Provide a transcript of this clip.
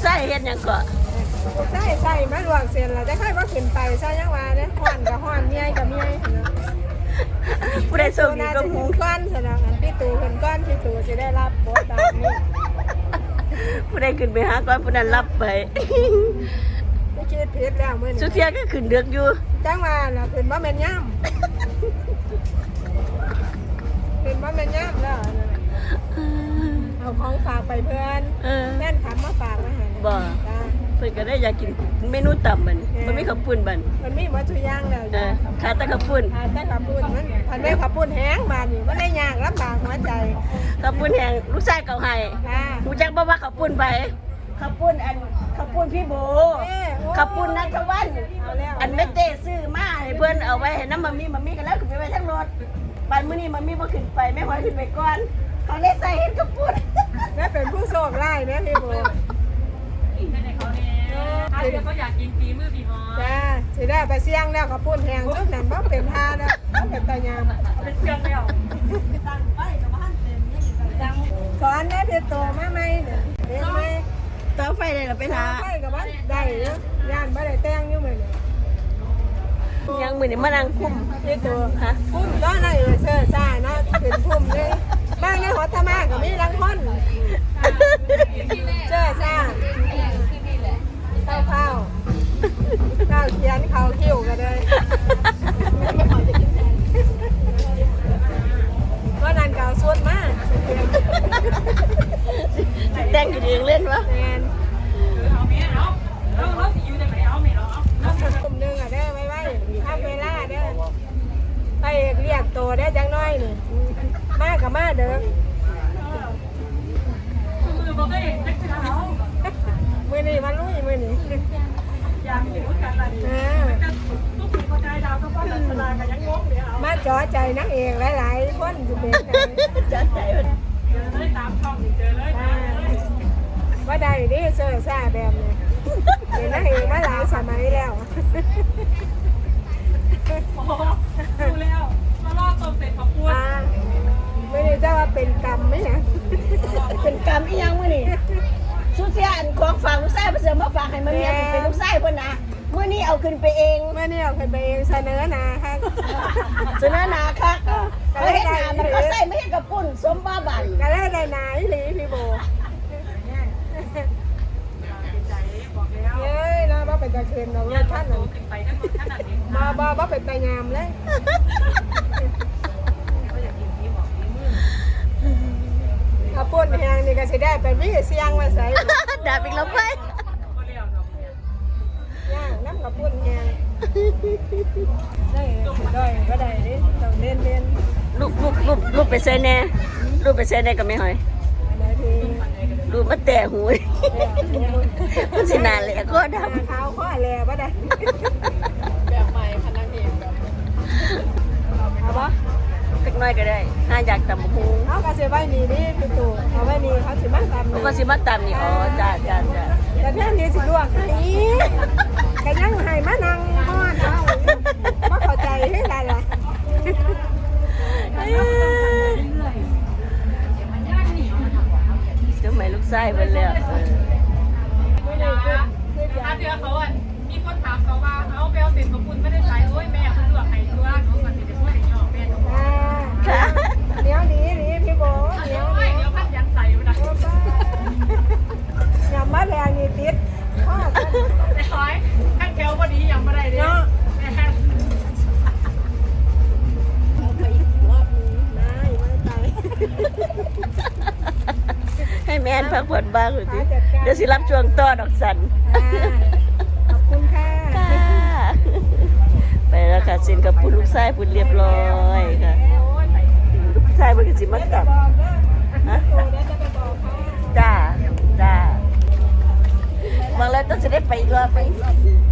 ชายเฮ็ดหยังก็ใส่มาลวกเส้นแล้วจะค่อยว่าขึ้นไปใช่ยังว่าเนี่ยฮ้อนกับฮ้อนเมียกับเมียเนาะผู้ใดส่งดีน่าก็จะหมูถึงก้อนซะนะพี่ตู่เพิ่นก้อนพี่ตู่สิได้รับบทบาทนี้ผู้ใดขึ้นไปหาก่อนผู้นั้นรับไปไม่คิดผิดแล้วมื้อนี้สุเทียก็ขึ้นเดือกอยู่จังว่าน่ะเพิ่นบ่แม่นย่ำเพิ่นบ่แม่นย่ำแล้วนะเอาของฝากไปเพื่อนเออแม่นขับมาฝากมาให้บ่จ้าเพิ่นก็ได้อยากกินเมนูต่ำมันมันมีข้าวปุ้นบันมันมีหมดทุกอย่างแล้วเอจ้ะอขาดแต่ข้าวปุ้นแต่ขับปุ้นมันพันแม่ขับปุ้นแห้งบานนี่มันได้ยากลำบากหัวใจข้าวปุ้นแห้งลูกชายเก่าให้ค่ะรู้จักบ่ว่าข้าวปุ้นไปข้าวปุ้นข้าวปุ้นพี่โบข้าวปุ้นนัทวันเอาแล้วอันไม่เต้ซื้อมาให้เพิ่นเอาไว้ให้น้ำมันมีกันแล้วขึ้นไปไว้ทั้งรถบันมื้อนี้มันมีบ่ขึ้นไปแม่หอยขึ้นไปก่อนเขาเลยใส่เฮ็ดข้าวปุ้นแม่เป็นผู้โชคร้ายแม่พี่โบถ้าเดี๋ยวเขาอยากกินฝีมือพี่หมอจ้าสิได้ไปเสี่ยงแล้วขับปุ้นแห้งทุกนั้นบ่เป็นท่านะบ่เป็นตายามเป็นเครื่องแล้วสอนแม่พี่โตมาไหมเนี่ยเห็นไหมต่อไฟได้ล่ะไปหาไปกับว่าได้เนาะย่านบ่ได้แต่งอยู่มื้อนี้ยังมื้อนี้มานั่งคุมพี่โตฮะพุ่มตอนนั้นเสื้อซ่าเนาะเป็นพุ่มเลยบ้านในหัวตะมาก็มีรังคนเสื้อซ่าข้าวเขียนข้าวคิ้วกันเลยก็นั่นเก่าสุดมากแต่งกันเองเล่นวะแมนเอาเมียเราสิอยู่จังไหนเอาเมียเราเอากลุ่มหนึงอ่ะเด้อไว้ทำเวลาเด้อไปเรียกโตได้จังน้อยนี่มากับมาเด้อมือบอกได้จักรเรามือนี่มาลุยมือนี่อยากกินกันอะไรทุกคนพอใจดาวต้องป้องกันสลายกันยังงงเดี๋ยวเอามาจ่อใจนักเอกหลายๆคนจะเป็นจัดใจมันเจอเลยตามช่องเจอเลยว่าได้ดิเสื้อซ่าแบบนี้เป็นนักเอกมาหลายสมัยแล้วโอ้ดูแล้วมารอบต้มเสร็จขอบคุณไม่ได้จะว่าเป็นกรรมไหมนะเป็นกรรมอีหยังมื้อนี้สุเทียอันของฝากลูกชายเพิ่นสิมาฝากให้มันเมียเป็นลูกชายเพิ่นนะมื้อนี้เอาขึ้นไปเองเมื่อนี่เอาไปเองเสนอหนาค่ะเสนอหน้าค่ะเขาเฮ็ดหน้ามันเขาใส่ไม่เฮ็ดกับปุ้นสมบ้าบันก็เลยได้หนาอีหลีพี่โบใจบอกแล้วเย้ยนะว่าเป็นตะเคียนเราอย่าท่านโตขึ้นไปทั้งหมดขนาดนี้บ่เป็นตะยามเลยก็อยากกินฝีบอกฝีมือเอาปุ่นแหงนี่ก็สิได้ไปวิ่งเสียงมาใส่ดาบอีกแล้วไปก็เลี้ยวดอกเนี่ยย่างน้ำกับปุ่นแหงได้ได้ก็ได้นี่ต้องเล่นลูกไปใส่แน่ลูกไปใส่แน่ก็ไม่หอยอะไรทีลูกมาแต่หูยมันสินานเลยก็ดเท้าข้อแลบ่ได้แบบใหม่พนักเองแบบเอาบ่ำสักหน้อยก็ได้ถ้าอยากตำบักหูเขาก็สิไว้นี่ดิพี่ตู่เอาไว้นี่เขาสิมาทำเขาก็สิมาตำนี่อ๋อจ้าแต่แท่นี้สิลวกให้ก็ยังให้มานั่งฮ้อนเอาบ่เข้าใจให้ได้ล่ะเดี๋ยวใหม่ลูกชายเพิ่นแล้วไม่ได้คือถ้าเจอเขาอ่ะมีคนถามเขาว่าเอาไปเอาเสร็จของคุณไม่ได้ใช้โอ้ยแม่คุณเลือกให้ตัวเขาก็จะพูดอย่างนี้ออกแม่เดี๋ยวนี้พี่โบเดี๋ยวโอ้ยเดี๋ยวพัดยันใส่ไปนะอย่ามาแรงนี่ติดพ่อไอ้ร้อยข้างแถวพอดียังไม่ได้เลยเนาะไปอีกรอบนึงได้ไม่ไปให้แม่นพักผ่อนบ้างหรือดิเดี๋ยวสิรับช่วงต่อดอกสันขอบคุณค่ะค่ะไปแล้วค่ะสินกับปุ่นลูกชายปุ่นเรียบร้อยค่ะลูกชายมันก็สิมาตับฮะจ้าบางแล้วต้องจะได้ไปอีกรอบไป